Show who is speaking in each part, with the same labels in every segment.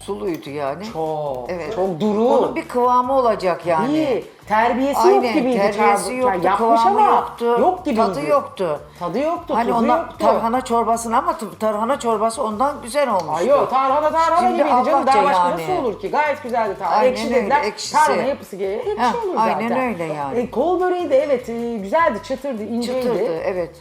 Speaker 1: Suluydu yani.
Speaker 2: Çok.
Speaker 1: Evet.
Speaker 2: Çok duru.
Speaker 1: Onun bir kıvamı olacak yani.
Speaker 2: İyi. Terbiyesi
Speaker 1: Aynen,
Speaker 2: yok gibiydi.
Speaker 1: terbiyesi
Speaker 2: Yani
Speaker 1: yoktu,
Speaker 2: yapmış
Speaker 1: kıvamı
Speaker 2: ama
Speaker 1: yoktu,
Speaker 2: yok gibiydi.
Speaker 1: tadı yoktu.
Speaker 2: Tadı yoktu,
Speaker 1: Hani
Speaker 2: tuzu
Speaker 1: ondan
Speaker 2: yoktu.
Speaker 1: tarhana çorbasını ama tarhana çorbası ondan güzel olmuştu.
Speaker 2: Ay yok, tarhana
Speaker 1: Şimdi
Speaker 2: gibiydi canım.
Speaker 1: Allah'ça
Speaker 2: Daha başka
Speaker 1: yani.
Speaker 2: nasıl olur ki? Gayet güzeldi tarhana.
Speaker 1: Aynen
Speaker 2: Ekşi
Speaker 1: öyle,
Speaker 2: dediler.
Speaker 1: ekşisi.
Speaker 2: Tarhana yapısı gereği ekşi
Speaker 1: Heh,
Speaker 2: olur zaten.
Speaker 1: aynen öyle yani.
Speaker 2: Kol böreği de evet güzeldi, çıtırdı, inceydi.
Speaker 1: Çıtırdı, evet.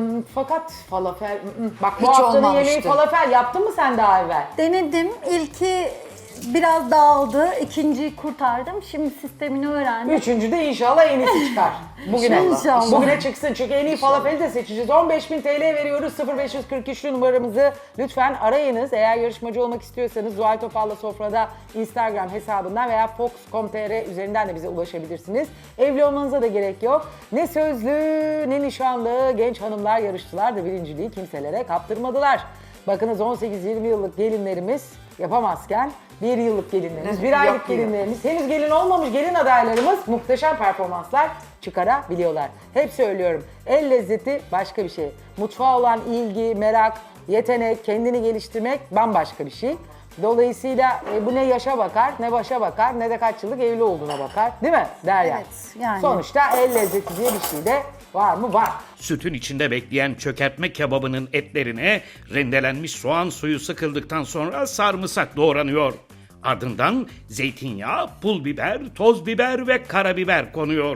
Speaker 2: Fakat falafel, bak bu
Speaker 1: Hiç
Speaker 2: haftanın
Speaker 1: olmamıştı.
Speaker 2: yemeği falafel yaptın mı sen daha evvel?
Speaker 3: Denedim. İlki biraz dağıldı. İkinciyi kurtardım. Şimdi sistemini öğrendim.
Speaker 2: Üçüncü de inşallah en iyisi çıkar. Bugüne.
Speaker 3: İnşallah.
Speaker 2: Bugüne çıksın çünkü en iyi falafeli de seçeceğiz. 15.000 TL veriyoruz. 0543'lü numaramızı lütfen arayınız. Eğer yarışmacı olmak istiyorsanız Zuhal Topal'la Sofra'da Instagram hesabından veya fox.com.tr üzerinden de bize ulaşabilirsiniz. Evli olmanıza da gerek yok. Ne sözlü ne nişanlı genç hanımlar yarıştılar da birinciliği kimselere kaptırmadılar. Bakınız 18-20 yıllık gelinlerimiz yapamazken 1 yıllık gelinlerimiz, 1 aylık
Speaker 1: Yapıyor.
Speaker 2: gelinlerimiz, henüz gelin olmamış gelin adaylarımız muhteşem performanslar çıkarabiliyorlar. Hep söylüyorum, el lezzeti başka bir şey. Mutfağa olan ilgi, merak, yetenek, kendini geliştirmek bambaşka bir şey. Dolayısıyla bu ne yaşa bakar, ne başa bakar, ne de kaç yıllık evli olduğuna bakar. Değil mi Derya?
Speaker 3: Evet, yani.
Speaker 2: Sonuçta el lezzeti diye bir şey de var mı? Var.
Speaker 4: Sütün içinde bekleyen çökertme kebabının etlerine rendelenmiş soğan suyu sıkıldıktan sonra sarımsak doğranıyor. Ardından zeytinyağı, pul biber, toz biber ve karabiber konuyor.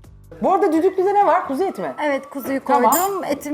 Speaker 2: Bu arada düdüklüde ne var? Kuzu eti mi?
Speaker 3: Evet, kuzuyu
Speaker 2: Tamam.
Speaker 3: koydum. Etimi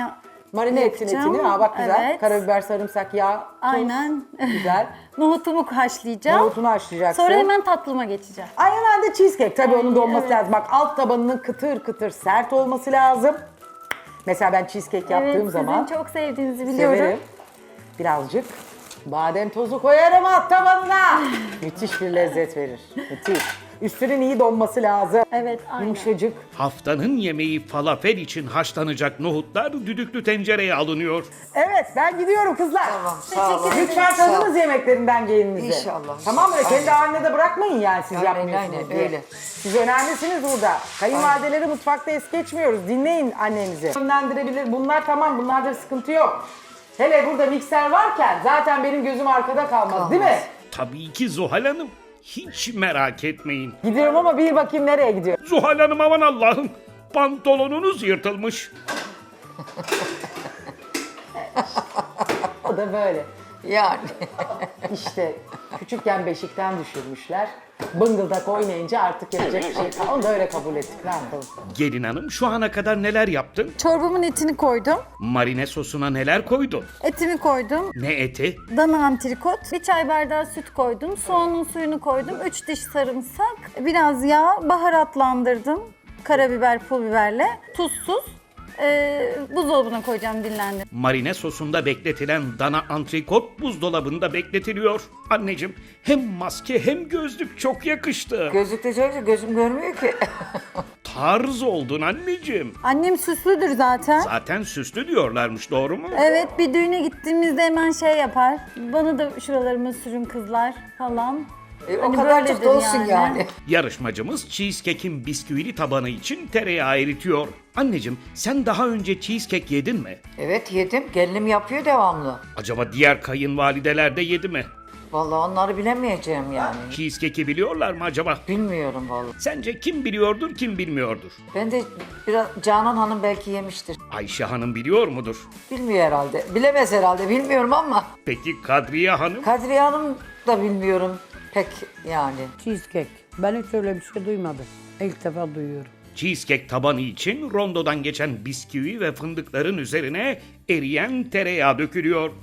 Speaker 2: Marine ettin
Speaker 3: yapacağım.
Speaker 2: etini. Bak güzel.
Speaker 3: Evet.
Speaker 2: Karabiber, sarımsak, yağ, tuz.
Speaker 3: Aynen.
Speaker 2: Güzel.
Speaker 3: Nohutumu haşlayacağım.
Speaker 2: Nohutunu haşlayacaksın.
Speaker 3: Sonra hemen tatlıma geçeceğim.
Speaker 2: Ay hemen de cheesecake. Tabii onun da olması
Speaker 3: evet.
Speaker 2: lazım. Bak alt tabanının kıtır kıtır sert olması lazım. Mesela ben cheesecake yaptığım
Speaker 3: Evet,
Speaker 2: zaman
Speaker 3: sizin çok sevdiğinizi biliyorum.
Speaker 2: severim. Birazcık badem tozu koyarım alt tabanına. Müthiş bir lezzet verir. Müthiş. Üstünün iyi donması lazım.
Speaker 3: Evet, aynen.
Speaker 2: Yumuşacık.
Speaker 4: Haftanın yemeği falafel için haşlanacak nohutlar düdüklü tencereye alınıyor.
Speaker 2: Evet ben gidiyorum kızlar.
Speaker 1: Tamam, sağ olun.
Speaker 2: Lütfen
Speaker 1: Sağ olun.
Speaker 2: tadınız yemeklerinden gelinizi.
Speaker 1: İnşallah.
Speaker 2: Tamam mı? Kendi
Speaker 1: Aynen.
Speaker 2: haline de bırakmayın yani siz
Speaker 1: Aynen,
Speaker 2: yapmıyorsunuz
Speaker 1: aynen,
Speaker 2: diye.
Speaker 1: öyle.
Speaker 2: Siz önemlisiniz burada. Kayınvalideleri mutfakta es geçmiyoruz. Dinleyin annenizi. Yönlendirebilir. Bunlar tamam. Bunlarda sıkıntı yok. Hele burada mikser varken zaten benim gözüm arkada kalmaz. Değil mi?
Speaker 4: Tabii ki Zuhal Hanım. Hiç merak etmeyin.
Speaker 2: Gidiyorum ama bir bakayım nereye gidiyorum.
Speaker 4: Zuhal Hanım aman Allah'ım. Pantolonunuz yırtılmış.
Speaker 2: O da böyle.
Speaker 1: Yani.
Speaker 2: İşte küçükken beşikten düşürmüşler. Bıngıldak oynayınca artık yapacak bir şey kalmadı. Onu da öyle kabul ettik. Ne yapalım?
Speaker 4: Gelin hanım şu ana kadar neler yaptın?
Speaker 3: Çorbamın etini koydum.
Speaker 4: Marine sosuna neler koydun?
Speaker 3: Etimi koydum.
Speaker 4: Ne eti?
Speaker 3: Dana antrikot. 1 çay bardağı süt koydum. Soğanın suyunu koydum. 3 diş sarımsak. Biraz yağ. Baharatlandırdım. Karabiber, pul biberle. Tuzsuz. Buzdolabına koyacağım dinlendir.
Speaker 4: Marine sosunda bekletilen dana antrikot buzdolabında bekletiliyor. Anneciğim hem maske hem gözlük çok yakıştı.
Speaker 1: Gözlükte çok gözüm görmüyor ki.
Speaker 4: Tarz oldun anneciğim.
Speaker 3: Annem süslüdür zaten.
Speaker 4: Zaten süslü diyorlarmış doğru mu?
Speaker 3: Evet, bir düğüne gittiğimizde hemen şey yapar. Bana da şuralarıma sürün kızlar falan.
Speaker 1: O
Speaker 3: Hani
Speaker 1: kadarcık
Speaker 3: böyledir
Speaker 1: da olsun yani.
Speaker 4: Yarışmacımız cheesecake'in bisküvili tabanı için tereyağı eritiyor. Anneciğim sen daha önce cheesecake yedin mi?
Speaker 1: Evet yedim. Gelinim yapıyor devamlı.
Speaker 4: Acaba diğer kayınvalideler de yedi mi?
Speaker 1: Vallahi onları bilemeyeceğim yani.
Speaker 4: Cheesecake'i biliyorlar mı acaba?
Speaker 1: Bilmiyorum vallahi.
Speaker 4: Sence kim biliyordur kim bilmiyordur?
Speaker 1: Ben de biraz Canan Hanım belki yemiştir.
Speaker 4: Ayşe Hanım biliyor mudur?
Speaker 1: Bilmiyor herhalde. Bilemez herhalde. Bilmiyorum ama.
Speaker 4: Peki Kadriye Hanım?
Speaker 1: Kadriye Hanım da bilmiyorum pek yani.
Speaker 5: Cheesecake. Ben hiç öyle bir şey duymadım. İlk defa duyuyorum.
Speaker 4: Cheesecake tabanı için rondodan geçen bisküvi ve fındıkların üzerine eriyen tereyağı dökülüyor.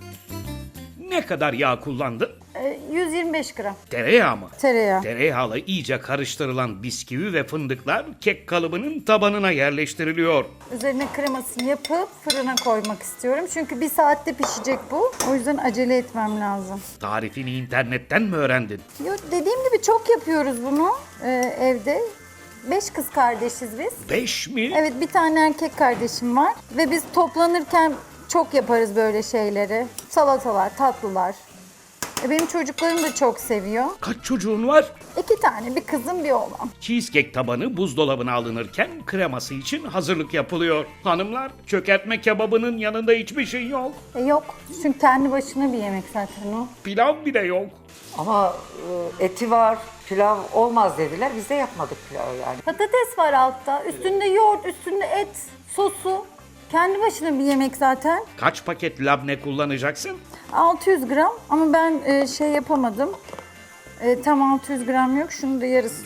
Speaker 4: Ne kadar yağ kullandın?
Speaker 3: 125 gram
Speaker 4: Tereyağı mı?
Speaker 3: tereyağı.
Speaker 4: Tereyağla iyice karıştırılan bisküvi ve fındıklar kek kalıbının tabanına yerleştiriliyor.
Speaker 3: Üzerine kremasını yapıp fırına koymak istiyorum. Çünkü 1 saatte pişecek bu. O yüzden acele etmem lazım.
Speaker 4: Tarifini internetten mi öğrendin?
Speaker 3: Yo, dediğim gibi çok yapıyoruz bunu evde. 5 kız kardeşiz biz.
Speaker 4: 5 mi?
Speaker 3: Evet, bir tane erkek kardeşim var. Ve biz toplanırken çok yaparız böyle şeyleri. Salatalar, tatlılar. Benim çocuklarım da çok seviyor.
Speaker 4: Kaç çocuğun var?
Speaker 3: 2 tane, bir kızım bir oğlan.
Speaker 4: Cheesecake tabanı buzdolabına alınırken kreması için hazırlık yapılıyor. Hanımlar, çökertme kebabının yanında hiçbir şey yok.
Speaker 3: Yok, çünkü kendi başına bir yemek zaten o.
Speaker 4: Pilav bile yok.
Speaker 1: Ama eti var, pilav olmaz dediler. Biz de yapmadık pilavı yani.
Speaker 3: Patates var altta. Üstünde yoğurt, üstünde et, sosu. Kendi başına bir yemek zaten.
Speaker 4: Kaç paket labne kullanacaksın?
Speaker 3: 600 gram ama ben şey yapamadım. Tam 600 gram yok. Şunu da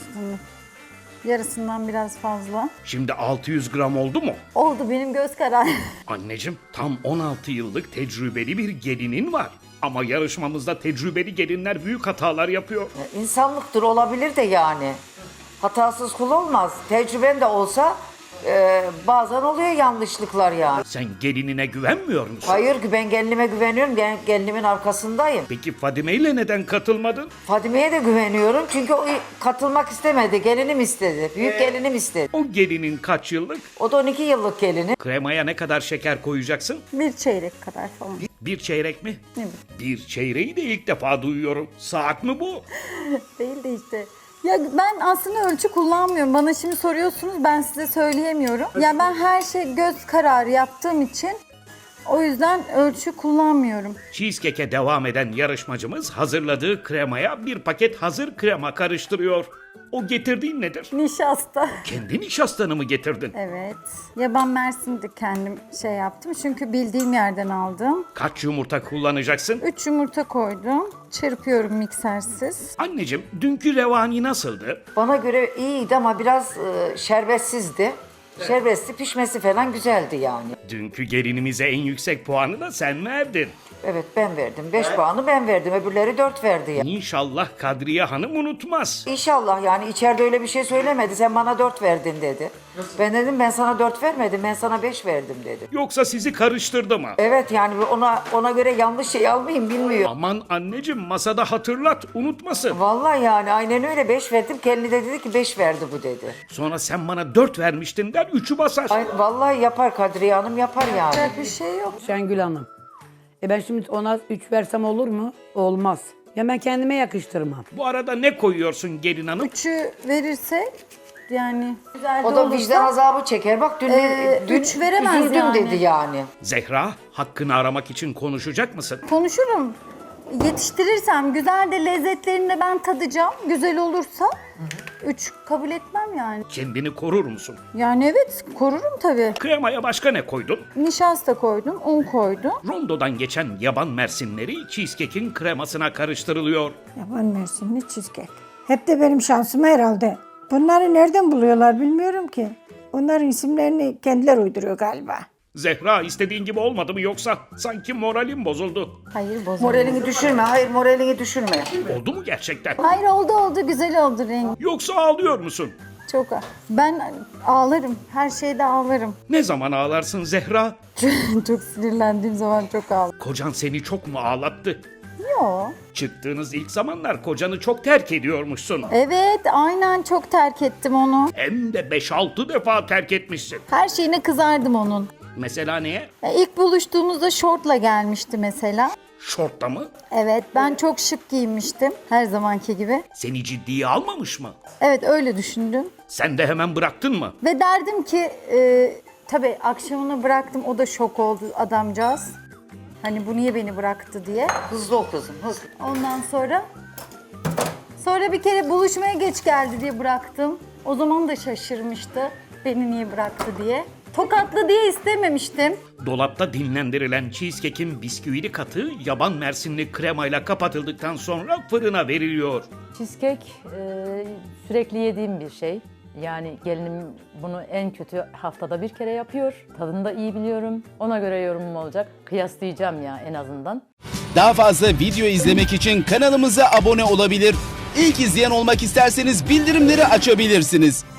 Speaker 3: yarısından biraz fazla.
Speaker 4: Şimdi 600 gram oldu mu?
Speaker 3: Oldu, benim göz kararı.
Speaker 4: Anneciğim, tam 16 yıllık tecrübeli bir gelinin var. Ama yarışmamızda tecrübeli gelinler büyük hatalar yapıyor.
Speaker 1: İnsanlıktır, olabilir de yani. Hatasız kul olmaz. Tecrüben de olsa bazen oluyor yanlışlıklar yani.
Speaker 4: Sen gelinine güvenmiyor musun?
Speaker 1: Hayır, ben gelinime güveniyorum. Gelinimin arkasındayım.
Speaker 4: Peki Fadime ile neden katılmadın?
Speaker 1: Fadime'ye de güveniyorum çünkü o katılmak istemedi. Gelinim istedi. Büyük gelinim istedi.
Speaker 4: O gelinin kaç yıllık?
Speaker 1: O da 12 yıllık gelini.
Speaker 4: Kremaya ne kadar şeker koyacaksın?
Speaker 3: Bir çeyrek kadar falan.
Speaker 4: Bir çeyrek mi?
Speaker 3: Evet.
Speaker 4: Bir çeyreği de ilk defa duyuyorum. Saat mi bu?
Speaker 3: Değil de işte. Ya ben aslında ölçü kullanmıyorum. Bana şimdi soruyorsunuz, ben size söyleyemiyorum. Ya ben her şey göz kararı yaptığım için o yüzden ölçü kullanmıyorum.
Speaker 4: Cheesecake'e devam eden yarışmacımız hazırladığı kremaya bir paket hazır krema karıştırıyor. O getirdiğin nedir?
Speaker 3: Nişasta.
Speaker 4: Kendi nişastanı mı getirdin?
Speaker 3: Evet. Yaban Mersin'de kendim şey yaptım. Çünkü bildiğim yerden aldım.
Speaker 4: Kaç yumurta kullanacaksın?
Speaker 3: 3 yumurta koydum. Çırpıyorum miksersiz.
Speaker 4: Anneciğim, dünkü revani nasıldı?
Speaker 1: Bana göre iyiydi ama biraz şerbetsizdi. Şerbetli, pişmesi falan güzeldi yani.
Speaker 4: Dünkü gelinimize en yüksek puanı da sen verdin.
Speaker 1: Evet, ben verdim. 5 puanı ben verdim. Öbürleri 4 verdi ya.
Speaker 4: İnşallah Kadriye Hanım unutmaz.
Speaker 1: İnşallah yani, içeride öyle bir şey söylemedi. Sen bana 4 verdin dedi. Ben dedim ben sana 4 vermedim. Ben sana 5 verdim dedi.
Speaker 4: Yoksa sizi karıştırdı mı?
Speaker 1: Evet yani ona göre yanlış şey almayayım, bilmiyor.
Speaker 4: Aman anneciğim, masada hatırlat, unutmasın.
Speaker 1: Vallahi yani aynen öyle, 5 verdim. Kendi de dedi ki 5 verdi bu dedi.
Speaker 4: Sonra sen bana 4 vermiştin der, 3'ü basar.
Speaker 1: Ay, vallahi yapar Kadriye Hanım, yapar yani.
Speaker 3: Yapacak bir şey yok.
Speaker 5: Şengül Hanım. Ben şimdi ona 3 versem olur mu? Olmaz. Ya ben kendime yakıştırmam.
Speaker 4: Bu arada ne koyuyorsun gelin hanım?
Speaker 3: 3'ü verirsek yani güzel de
Speaker 1: O da
Speaker 3: olursa,
Speaker 1: vicdan azabı çeker. Bak dün, dün
Speaker 3: üç veremez
Speaker 1: üzüldüm
Speaker 3: yani.
Speaker 1: dedi yani.
Speaker 4: Zehra, hakkını aramak için konuşacak mısın?
Speaker 3: konuşurum. Yetiştirirsem, güzel de lezzetlerini de ben tadacağım. Güzel olursa 3 kabul etmem yani.
Speaker 4: Kendini korur musun?
Speaker 3: Yani evet, korurum tabii.
Speaker 4: Kremaya başka ne koydun?
Speaker 3: Nişasta koydum, un koydum.
Speaker 4: Rondodan geçen yaban mersinleri cheesecake'in kremasına karıştırılıyor.
Speaker 6: Yaban Mersinli cheesecake. Hep de benim şansım herhalde. Bunları nereden buluyorlar bilmiyorum ki. Onların isimlerini kendileri uyduruyor galiba.
Speaker 4: Zehra, istediğin gibi olmadı mı yoksa? Sanki moralim bozuldu.
Speaker 3: Hayır, bozulmadı.
Speaker 1: Moralini düşürme. Hayır, moralini düşürme.
Speaker 4: Oldu mu gerçekten?
Speaker 3: Hayır, oldu, güzel oldu rengi.
Speaker 4: Yoksa ağlıyor musun?
Speaker 3: Çok. Ben ağlarım, her şeyde ağlarım.
Speaker 4: Ne zaman ağlarsın Zehra?
Speaker 3: Çok sinirlendiğim zaman çok ağlarım.
Speaker 4: Kocan seni çok mu ağlattı?
Speaker 3: Yo.
Speaker 4: Çıktığınız ilk zamanlar kocanı çok terk ediyormuşsun.
Speaker 3: Evet, aynen çok terk ettim onu.
Speaker 4: Hem de 5-6 defa terk etmişsin.
Speaker 3: Her şeyine kızardım onun.
Speaker 4: Mesela neye?
Speaker 3: İlk buluştuğumuzda şortla gelmişti mesela.
Speaker 4: Şortta mı?
Speaker 3: Evet, ben çok şık giyinmiştim her zamanki gibi.
Speaker 4: Seni ciddiye almamış mı?
Speaker 3: Evet, öyle düşündüm.
Speaker 4: Sen de hemen bıraktın mı?
Speaker 3: Ve derdim ki, tabii akşamını bıraktım, o da şok oldu adamcağız. Hani bu niye beni bıraktı diye.
Speaker 1: Hızlı ol kızım, hızlı.
Speaker 3: Ondan sonra bir kere buluşmaya geç geldi diye bıraktım. O zaman da şaşırmıştı beni niye bıraktı diye. Tokatlı diye istememiştim.
Speaker 4: Dolapta dinlendirilen cheesecake'in bisküvili katı yaban mersinli kremayla kapatıldıktan sonra fırına veriliyor.
Speaker 7: Cheesecake sürekli yediğim bir şey. Yani gelinim bunu en kötü haftada bir kere yapıyor. Tadını da iyi biliyorum. Ona göre yorumum olacak. Kıyaslayacağım ya en azından.
Speaker 8: Daha fazla video izlemek için kanalımıza abone olabilir. İlk izleyen olmak isterseniz bildirimleri açabilirsiniz.